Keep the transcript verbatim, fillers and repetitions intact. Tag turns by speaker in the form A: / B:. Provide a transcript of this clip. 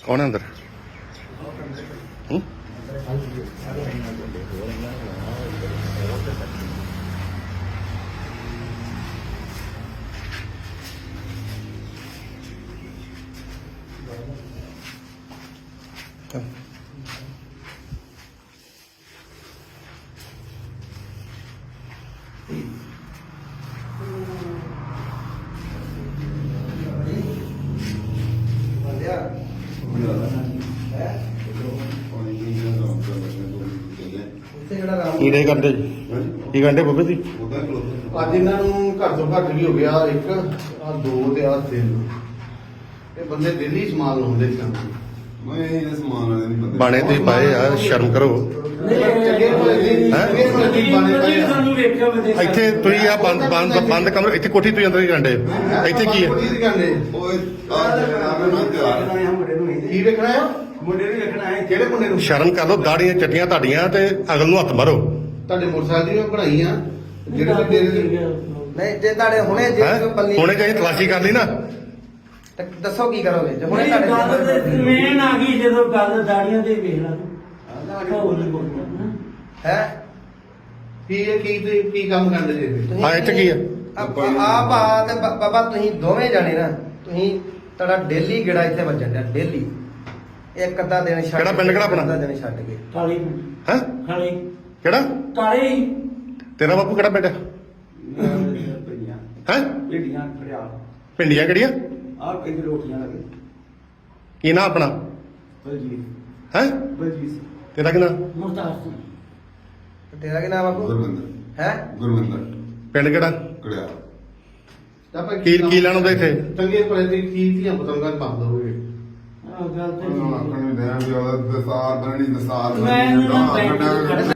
A: कौन है अंदर? हम्म? ਕੀ ਡੇ ਕਰਦੇ ਜੀ? ਕੀ ਕਰਦੇ ਬੱਬੇ ਜੀ?
B: ਅੱਜ ਇਹਨਾਂ ਨੂੰ ਘੱਟ ਤੋਂ ਘੱਟ ਵੀ ਹੋ ਗਿਆ ਇੱਕ ਆ ਦੋ ਤੇ ਆ ਤਿੰਨ। ਇਹ ਬੰਦੇ ਦਿੱਲੀ ਸਮਾਨ ਲਾਉਂਦੇ ਸਨ।
C: ਮੈਂ ਇਹ ਸਮਾਨ ਵਾਲੇ ਨਹੀਂ ਬੰਦੇ
A: ਬਾਣੇ ਤੁਸੀਂ ਪਾਏ ਆ, ਸ਼ਰਮ ਕਰੋ। ਇੱਥੇ ਤੁਸੀਂ ਆ ਬੰਦ ਬੰਦ ਬੰਦ ਕਮਰੇ, ਇੱਥੇ ਕੋਠੀ ਤੁਸੀਂ ਅੰਦਰ ਹੀ ਜਾਂਦੇ ਇੱਥੇ ਕੀ ਹੈ?
C: ਓਏ ਆ ਮੈਂ ਤਿਆਰ
B: ਕੀ ਵੇਖਣਾ ਹੈ?
C: ਮੁੰਡੇ ਨੂੰ ਵੇਖਣਾ ਹੈ।
B: ਕਿਹੜੇ ਮੁੰਡੇ ਨੂੰ?
A: ਸ਼ਰਮ ਕਰ ਲਓ, ਦਾੜੀਆਂ ਚੱਟੀਆਂ ਤੁਹਾਡੀਆਂ ਤੇ ਅਗਲ ਨੂੰ ਹੱਥ ਮਾਰੋ।
B: ਤੁਹਾਡੇ ਮੋਟਰਸਾਈਕਲ ਦੀ ਮੈਂ ਬਣਾਈਆਂ ਜਿਹੜੇ ਵੀ ਤੇਰੇ
D: ਨਹੀਂ ਜੇ ਤੁਹਾਡੇ ਹੁਣੇ ਜੇ
A: ਹੈਂ?
D: ਬੰਦੀ
A: ਹੁਣੇ ਚਾਹੀ ਤਲਾਸ਼ੀ ਕਰ ਲਈ ਨਾ,
D: ਤੇ ਦੱਸੋ ਕੀ ਕਰੋਗੇ ਜੇ ਹੁਣੇ
E: ਹੁਣੇ
D: ਤੁਹਾਡੇ
E: ਗੱਲ ਤੇ ਮੇਨ ਆ ਗਈ ਜਦੋਂ ਗੱਲ ਦਾੜੀਆਂ ਤੇ ਵੇਖ ਲਾ ਤੂੰ ਹੋਰ ਨਹੀਂ ਬੋਲਣਾ
D: ਹੈ
B: ਕੀ ਇਹ ਕੀ ਤੁਸੀਂ ਕੀ ਕੰਮ ਕਰਦੇ ਜੇ?
A: ਹਾਂ ਇੱਥੇ ਕੀ ਆ?
D: ਆਪ ਆ ਤੇ ਬ- ਬਾਬਾ ਤੁਸੀਂ ਦੋਵੇਂ ਜਾਣੇ ਨਾ, ਤੁਸੀਂ ਤੁਹਾਡਾ ਡੇਲੀ ਗੇੜਾ ਇੱਥੇ ਵੱਜਣ ਡਿਆ ਡੇਲੀ। ਇੱਕ ਅੱਧਾ ਦਿਨ ਛੱਡ
A: ਕਿਹੜਾ ਪਿੰਡ, ਕਿਹੜਾ ਆਪਣਾ?
D: ਅੱਧਾ ਦਿਨ ਛੱਡ ਕੇ
E: ਕਾਲੀ
A: ਹੈ
E: ਕਾਲੀ
A: ਕਿਹੜਾ
E: ਕਾਲੇ ਹੀ
A: ਤੇਰਾ ਬਾਪੂ ਕਿਹੜਾ ਪਿੰਡ ਹੈ? ਹੈ
F: ਭੇਡੀਆਂ ਖੜਿਆ
A: ਪਿੰਡੀਆਂ ਕਿਹੜੀਆਂ?
F: ਆਹ ਕਹਿੰਦੇ ਰੋਟੀਆਂ ਲੱਗੇ
A: ਕੀ ਨਾਂ ਆਪਣਾ?
F: ਬਲਜੀਤ
A: ਹੈ
F: ਬਲਜੀਤ
A: ਤੇਰਾ ਕੀ ਨਾਂ?
E: ਮੁਖਤਾਰ ਸਿੰਘ
D: ਤੇ ਤੇਰਾ ਕੀ ਨਾਮ ਬਾਬੂ
C: ਗੁਰਵਿੰਦਰ
D: ਹੈ?
C: ਗੁਰਵਿੰਦਰ
A: ਪਿੰਡ ਕਿਹੜਾ?
C: ਕੜਿਆ
B: ਤਾਂ ਆਪਾਂ
A: ਕੀ ਕੀ ਲੈਣ ਆਉਂਦਾ ਇੱਥੇ?
B: ਚੰਗੇ ਭਲੇ ਦੀ ਕੀ ਧੀਆਂ ਪਤੰਗਾਂ ਬੰਦ ਹੋਵੇ।
E: ਆਹ ਗੱਲ ਤੇ
C: ਆਖਣ ਦੇ ਵੀ ਉਹਦਾ ਦਸਾਰ ਬਣੀ ਦਸਾਰ
E: ਮੈਂ
C: ਬਣੀ
E: ਨਾ
C: ਗਾਂ
E: ਬੈਂਕ
C: ਕੱਢਿਆ